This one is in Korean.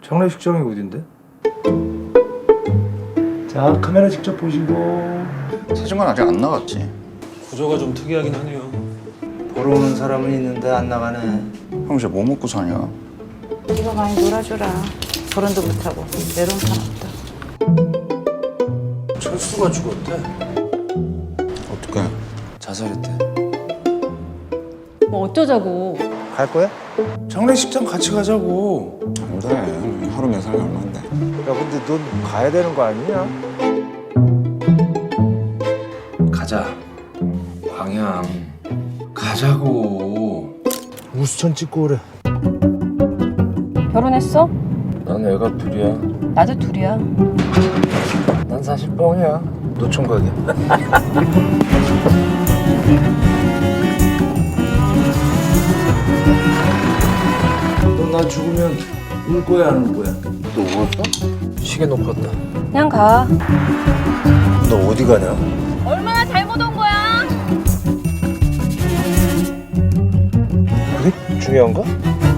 장례식장이 어딘데? 자, 카메라 직접 보시고. 사진관 아직 안 나갔지? 구조가 좀 특이하긴 하네요. 보러 오는 사람은 있는데 안 나가네. 형 이제 뭐 먹고 사냐? 이거 많이 놀아줘라. 결혼도 못하고 외로운 사람 없다. 철수가 죽었대. 어떡해? 자살했대. 뭐 어쩌자고. 갈 거야? 장례식장 같이 가자고. 안 돼. 하루 몇 살이 얼만데? 야, 근데 넌 가야 되는 거 아니냐? 가자. 광양. 가자고. 우수천 찍고 그래. 결혼했어? 난 애가 둘이야. 나도 둘이야. 난 사실 뻥이야. 노총각이야. 너 나 죽으면 울 거야, 안 울 거야? 너 울었어? 시계 놓고 왔다. 그냥 가. 너 어디 가냐? 얼마나 잘못 온 거야? 그게 중요한가?